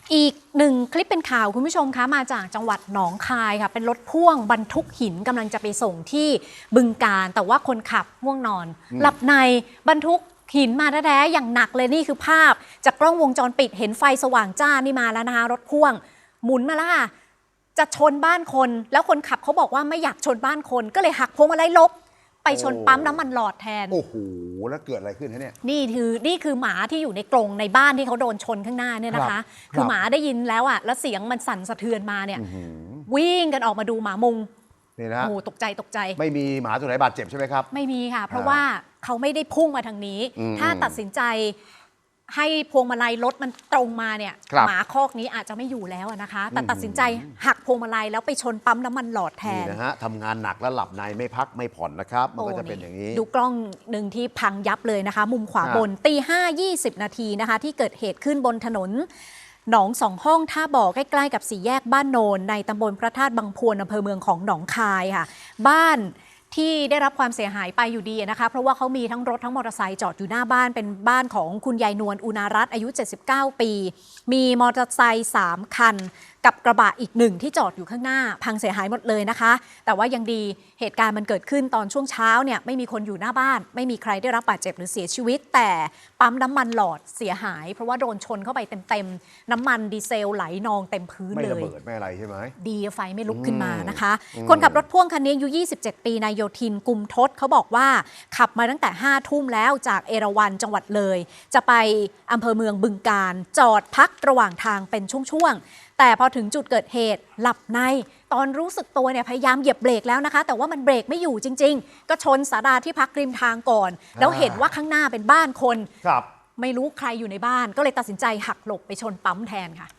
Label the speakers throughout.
Speaker 1: อีกหนึ่งคลิปเป็นข่าวคุณผู้ชมคะมาจากจังหวัดหนองคายค่ะเป็นรถพ่วงบรรทุกหินกำลังจะไปส่งที่บึงกาฬแต่ว่าคนขับง่วงนอนหลับในบรรทุกหินมาแท้ๆอย่างหนักเลยนี่คือภาพจากกล้องวงจรปิดเห็นไฟสว่างจ้านี่มาแล้วนะคะรถพ่วงหมุนมาแล้วค่ะจะชนบ้านคนแล้วคนขับเขาบอกว่าไม่อยากชนบ้านคนก็เลยหักพวงมาลัยลบไปชนปั๊มน้ำมันหลอดแทน
Speaker 2: โอ้โหแล้วเกิดอะไรขึ้นฮะเนี่ย
Speaker 1: นี่คือหมาที่อยู่ในกรงในบ้านที่เขาโดนชนข้างหน้าเนี่ยนะคะคือหมาได้ยินแล้วอ่ะแล้วเสียงมันสั่นสะเทือนมาเนี่ยวิ่งกันออกมาดูหมามุง
Speaker 2: นี่นะ
Speaker 1: โอ้ตกใจ
Speaker 2: ไม่มีหมาตัวไหนบาดเจ็บใช่ไหมครับ
Speaker 1: ไม่มีค่ะเพราะว่าเขาไม่ได้พุ่งมาทางนี้ถ้าตัดสินใจให้พวงมาลัยรถมันตรงมาเนี่ยหมาคอกนี้อาจจะไม่อยู่แล้วนะคะแต่ตัดสินใจหักพวงมาลัยแล้วไปชนปั๊มน้ำมันหลอดแทน
Speaker 2: นะฮะทำงานหนักแล้วหลับในไม่พักไม่ผ่อนนะครับมันก็จะเป็นอย่างนี้
Speaker 1: ดูกล้องหนึ่งที่พังยับเลยนะคะมุมขวาบนตี 5:20 นาทีนะคะที่เกิดเหตุขึ้นบนถนนหนองสองห้องท่าบ่อใกล้ๆกับสี่แยกบ้านโนนในตำบลพระธาตุบางพวนอำเภอเมืองของหนองคายค่ะบ้านที่ได้รับความเสียหายไปอยู่ดีนะคะเพราะว่าเขามีทั้งรถทั้งมอเตอร์ไซค์จอดอยู่หน้าบ้านเป็นบ้านของคุณยายนวลอุณารัตน์อายุ79ปีมีมอเตอร์ไซค์3คันกับกระบะอีกหนึ่งที่จอดอยู่ข้างหน้าพังเสียหายหมดเลยนะคะแต่ว่ายังดีเหตุการณ์มันเกิดขึ้นตอนช่วงเช้าเนี่ยไม่มีคนอยู่หน้าบ้านไม่มีใครได้รับบาดเจ็บหรือเสียชีวิตแต่ปั๊มน้ำมันหลอดเสียหายเพราะว่าโดนชนเข้าไปเต็มๆน้ำมันดีเซลไหลนองเต็มพื้นเลย
Speaker 2: ไม่ระเบิดไม่อะไรใช่ไหม
Speaker 1: ดีไฟไม่ลุกขึ้นมานะคะคนขับรถพ่วงคันนี้อายุ27ปีนายโยธินกุมทศเขาบอกว่าขับมาตั้งแต่5 ทุ่มแล้วจากเอราวัณจังหวัดเลยจะไปอำเภอเมืองบึงกาฬจอดพักระหว่างทางเป็นช่วงๆแต่พอถึงจุดเกิดเหตุหลับในตอนรู้สึกตัวเนี่ยพยายามเหยียบเบรกแล้วนะคะแต่ว่ามันเบรกไม่อยู่จริงๆก็ชนศาลาที่พักริมทางก่อนแล้วเห็นว่าข้างหน้าเป็นบ้านคนไม่รู้ใครอยู่ในบ้านก็เลยตัดสินใจหักหลบไปชนปั๊มแทนค่ะ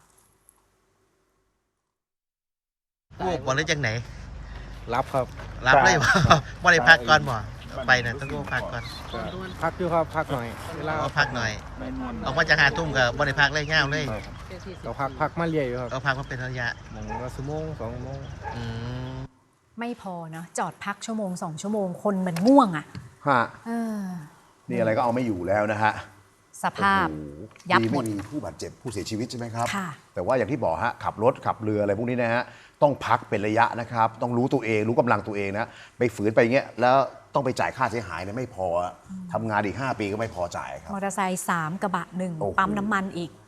Speaker 3: วูบบ่หรือจังไหน
Speaker 4: รับครับ
Speaker 3: รับเลยบ่ได้พักก่อนบ่ไปนะต้องวูบพักก่อน
Speaker 4: พักอยู่ครับพักหน่อยเวลา
Speaker 3: พักหน่อยออกมาจาก5 ทุ่มก็บ่ได้พักเลยง่าวเลย
Speaker 4: เราพักมาเรื่อยอยู่ครับ
Speaker 3: เราพักมาเป็นระยะ
Speaker 4: 1 ชั่วโมง 2 ชั่วโมง
Speaker 1: ไม่พอเนาะจอดพักชั่วโมง2 ชั่วโมงคนมันง่วงอ่ะ
Speaker 2: นี่อะไรก็เอาไม่อยู่แล้วนะฮะ
Speaker 1: สภาพยับหมด
Speaker 2: มีผู้บาดเจ็บผู้เสียชีวิตใช่ไหมครับแต่ว่าอย่างที่บอกฮะขับรถขับเรืออะไรพวกนี้นะฮะต้องพักเป็นระยะนะครับต้องรู้ตัวเองรู้กำลังตัวเองนะไปฝืนไปอย่างเงี้ยแล้วต้องไปจ่ายค่าเสียหายเนี่ยไม่พอทำงานอีก5 ปีก็ไม่พอจ่ายครับ
Speaker 1: มอเตอร์ไซค์3 กระบะ 1ปั๊มน้ำมันอีก